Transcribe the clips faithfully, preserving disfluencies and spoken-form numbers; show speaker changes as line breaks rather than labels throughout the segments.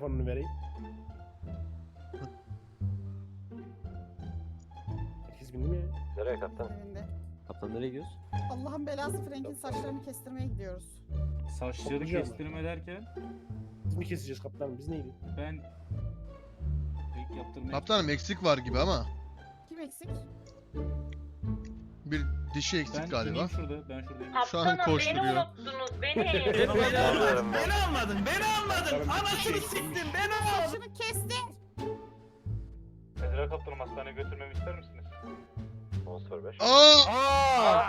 Telefonunu vereyim. Herkes bindi mi ya?
Nereye kaptan?
Önünde.
Kaptan nereye gidiyoruz?
Allah'ın belası Frank'in saçlarını kestirmeye gidiyoruz.
Saçları
Toplayacağım
kestirme derken
Biz mi keseceğiz kaptanım? Biz neydi?
ben pek yaptırmaya...
Kaptanım eksik var gibi ama.
Kim eksik?
Bir dişi eksik
Ben
galiba.
ineyim şurada, ben şuradayım.
Şu an
Kaptanım beni
koşturuyor.
unuttunuz beni.
Beni almadın,
Beni almadın, beni almadın. Anasını
Şey-
siktin, beni al.
Saçını kestir.
Ezra kaptanım hastaneye götürmemi ister misiniz?
on sıfır beş.
Aa!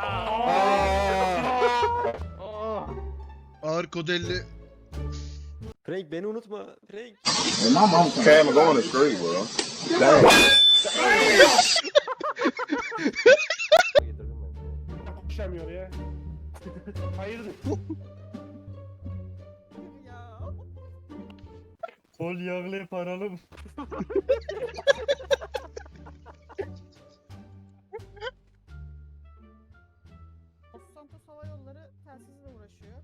Ağır kodelli.
Frank beni unutma. Frank.
And my mom came and going to street, bro. Damn.
Getirdim ben.
Konuşamıyor ya. Hayırdır?
Ya.
Kol yağlı paralım.
Los Santos Hava Yolları telsizle uğraşıyor.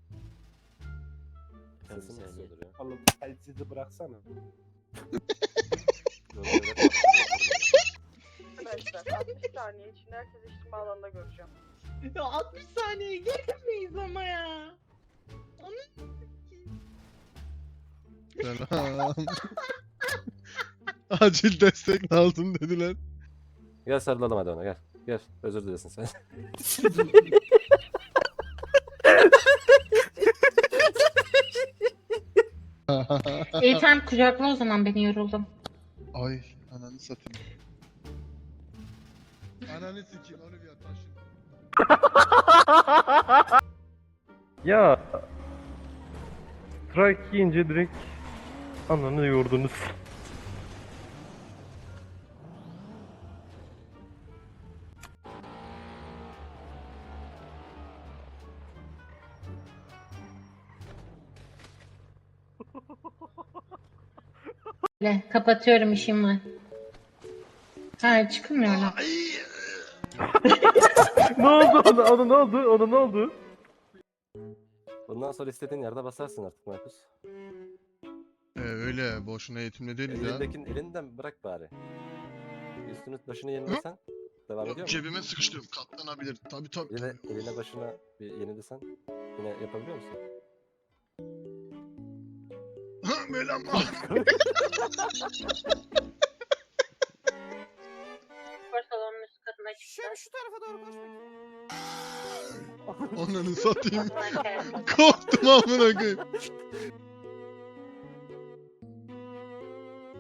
Telsin mi yazıyordur ya?
Oğlum telsizi bıraksana.
Arkadaşlar altmış saniye içinde herkes içtima alanında göreceğim.
Ya altmış saniye gelemeyiz ama ya.
Selam. Acil destek lazım dediler.
Gel sarılalım hadi ona gel. Gel özür dilesin sen.
İyi tamam kucakla o zaman beni yoruldum.
Ay ananı satayım. Ananı sikeyim Olivia taşın.
Ya strike yiyince direkt ananı yordunuz.
Öyle, kapatıyorum işim var. Ha çıkmıyorum.
Ne oldu ona, ona ne oldu ona ne oldu?
Bundan sonra istediğin yerde basarsın artık Markus.
Ee, öyle boşuna eğitimli değiliz ya.
Elindekini elinden bırak bari. Üstünü başını yenilesen devam ediyor mu?
Cebime sıkıştım katlanabilir tabi tabi.
Eline, eline başına bir yenilesen yine yapabiliyor musun?
Böyle ama.
Spor salonunun üst katına
Şu, şu tarafa doğru koş bakayım.
Ananı satayım. Korktum amına koyayım.